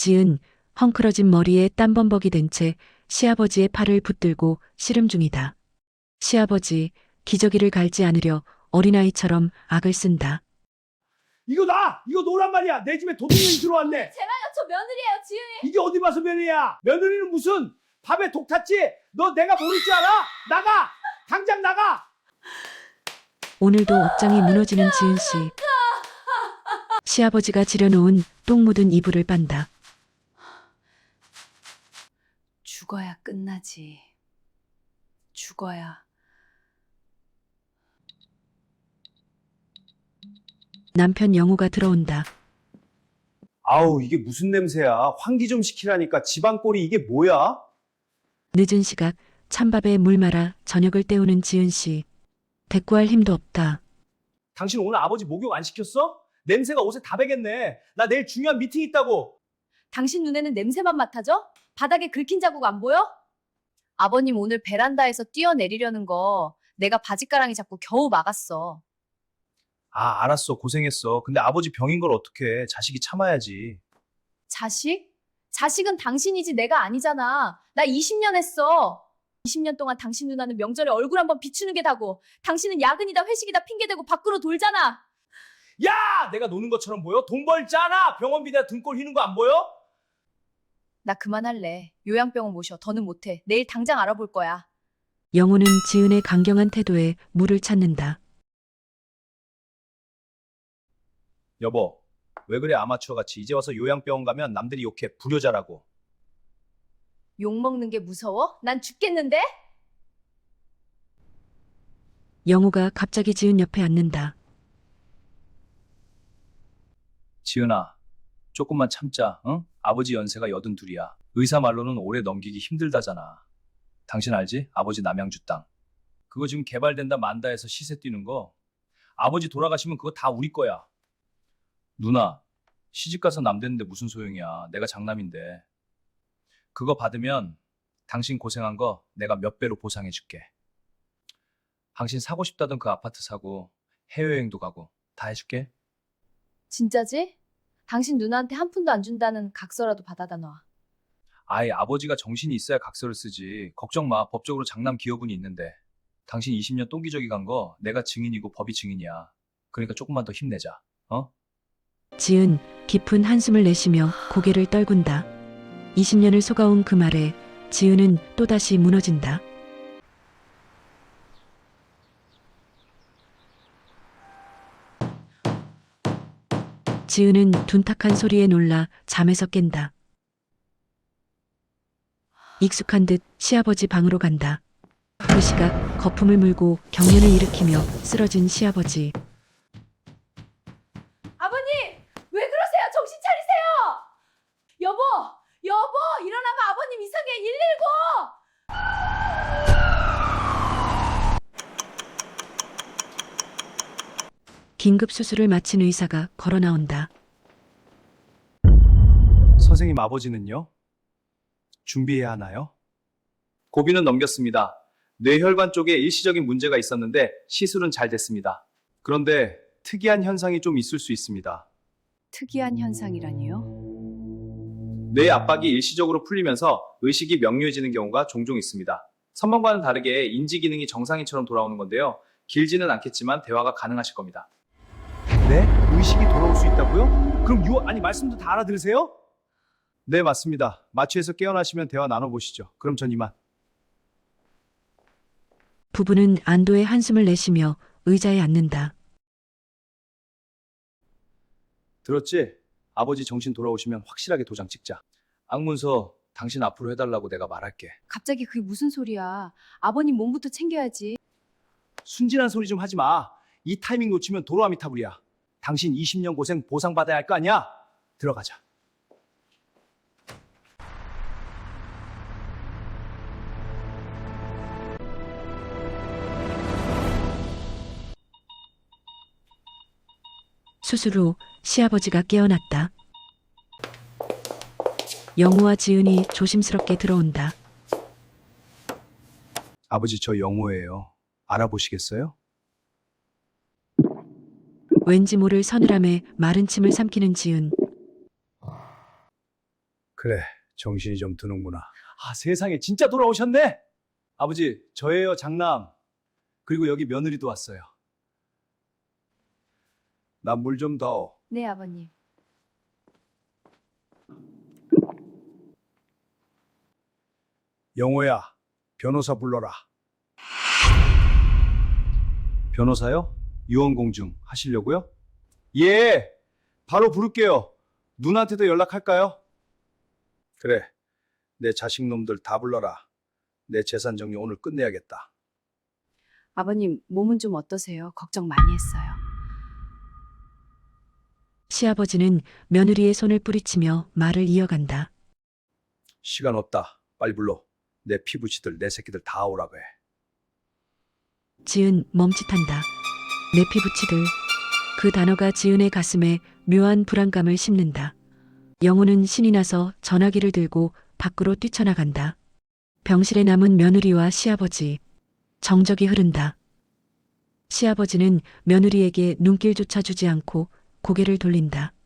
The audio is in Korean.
지은 헝클어진 머리에 땀범벅이 된 채 시아버지의 팔을 붙들고 씨름 중이다. 시아버지, 기저귀를 갈지 않으려 어린아이처럼 악을 쓴다. 이거 나! 이거 노란 말이야! 내 집에 도둑년이 들어왔네! 제발요, 저 며느리예요, 지은이. 이게 어디 봐서 며느리야! 며느리는 무슨 밥에 독 탔지? 너 내가 모를 줄 알아? 나가! 당장 나가! 오늘도 억장이 무너지는 지은 씨. 시아버지가 지려놓은 똥 묻은 이불을 빤다. 죽어야 끝나지. 죽어야. 남편 영우가 들어온다. 아우, 이게 무슨 냄새야? 환기 좀 시키라니까. 집안꼴이 이게 뭐야? 늦은 시각 찬밥에 물 말아 저녁을 때우는 지은 씨. 대꾸할 힘도 없다. 당신 오늘 아버지 목욕 안 시켰어? 냄새가 옷에 다 배겠네. 나 내일 중요한 미팅 있다고. 당신 눈에는 냄새만 맡아져? 바닥에 긁힌 자국 안 보여? 아버님 오늘 베란다에서 뛰어내리려는 거 내가 바지가랑이 잡고 겨우 막았어. 아, 알았어. 고생했어. 근데 아버지 병인 걸 어떡해. 자식이 참아야지. 자식? 자식은 당신이지 내가 아니잖아. 나 20년 했어. 20년 동안 당신 누나는 명절에 얼굴 한번 비추는 게 다고, 당신은 야근이다 회식이다 핑계대고 밖으로 돌잖아. 야! 내가 노는 것처럼 보여? 돈 벌잖아! 병원비 내가 등골 휘는 거 안 보여? 나 그만할래. 요양병원 모셔. 더는 못해. 내일 당장 알아볼 거야. 영우는 지은의 강경한 태도에 물을 찾는다. 여보, 왜 그래 아마추어 같이. 이제 와서 요양병원 가면 남들이 욕해. 불효자라고. 욕먹는 게 무서워? 난 죽겠는데? 영우가 갑자기 지은 옆에 앉는다. 지은아, 조금만 참자. 응? 아버지 연세가 82이야. 의사 말로는 오래 넘기기 힘들다잖아. 당신 알지? 아버지 남양주 땅. 그거 지금 개발된다 만다 해서 시세 뛰는 거. 아버지 돌아가시면 그거 다 우리 거야. 누나, 시집가서 남대는데 무슨 소용이야. 내가 장남인데. 그거 받으면 당신 고생한 거 내가 몇 배로 보상해 줄게. 당신 사고 싶다던 그 아파트 사고, 해외여행도 가고 다 해줄게. 진짜지? 당신 누나한테 한 푼도 안 준다는 각서라도 받아다 놔. 아이, 아버지가 정신이 있어야 각서를 쓰지. 걱정 마. 법적으로 장남 기여분이 있는데. 당신 20년 똥기저귀 간 거 내가 증인이고 법이 증인이야. 그러니까 조금만 더 힘내자. 어? 지은 깊은 한숨을 내쉬며 고개를 떨군다. 20년을 속아온 그 말에 지은은 또다시 무너진다. 지은은 둔탁한 소리에 놀라 잠에서 깬다. 익숙한 듯 시아버지 방으로 간다. 그 시각 거품을 물고 경련을 일으키며 쓰러진 시아버지. 아버님! 왜 그러세요? 정신 차리세요! 여보! 여보! 일어나봐! 아버님 이상해! 119! 긴급 수술을 마친 의사가 걸어 나온다. 선생님, 아버지는요? 준비해야 하나요? 고비는 넘겼습니다. 뇌혈관 쪽에 일시적인 문제가 있었는데 시술은 잘 됐습니다. 그런데 특이한 현상이 좀 있을 수 있습니다. 특이한 현상이라니요? 뇌 압박이 일시적으로 풀리면서 의식이 명료해지는 경우가 종종 있습니다. 선망과는 다르게 인지 기능이 정상인처럼 돌아오는 건데요. 길지는 않겠지만 대화가 가능하실 겁니다. 네? 의식이 돌아올 수 있다고요? 그럼 아니 말씀도 다 알아들으세요? 네, 맞습니다. 마취해서 깨어나시면 대화 나눠보시죠. 그럼 전 이만. 부부는 안도의 한숨을 내쉬며 의자에 앉는다. 들었지? 아버지 정신 돌아오시면 확실하게 도장 찍자. 악문서 당신 앞으로 해달라고 내가 말할게. 갑자기 그게 무슨 소리야. 아버님 몸부터 챙겨야지. 순진한 소리 좀 하지 마. 이 타이밍 놓치면 도로아미타불이야. 당신 20년 고생 보상받아야 할 거 아니야? 들어가자. 수술 후 시아버지가 깨어났다. 영우와 지은이 조심스럽게 들어온다. 아버지, 저 영호예요. 알아보시겠어요? 왠지 모를 서늘함에 마른 침을 삼키는 지은. 그래, 정신이 좀 드는구나. 아, 세상에 진짜 돌아오셨네. 아버지, 저예요, 장남. 그리고 여기 며느리도 왔어요. 나 물 좀 더. 네, 아버님. 영호야, 변호사 불러라. 변호사요? 유언공증 하시려고요? 예, 바로 부를게요. 누나한테도 연락할까요? 그래, 내 자식놈들 다 불러라. 내 재산 정리 오늘 끝내야겠다. 아버님, 몸은 좀 어떠세요? 걱정 많이 했어요. 시아버지는 며느리의 손을 뿌리치며 말을 이어간다. 시간 없다. 빨리 불러. 내 피부치들, 내 새끼들 다 오라고 해. 지은 멈칫한다. 내 피부치들. 그 단어가 지은의 가슴에 묘한 불안감을 심는다. 영호는 신이 나서 전화기를 들고 밖으로 뛰쳐나간다. 병실에 남은 며느리와 시아버지. 정적이 흐른다. 시아버지는 며느리에게 눈길조차 주지 않고 고개를 돌린다.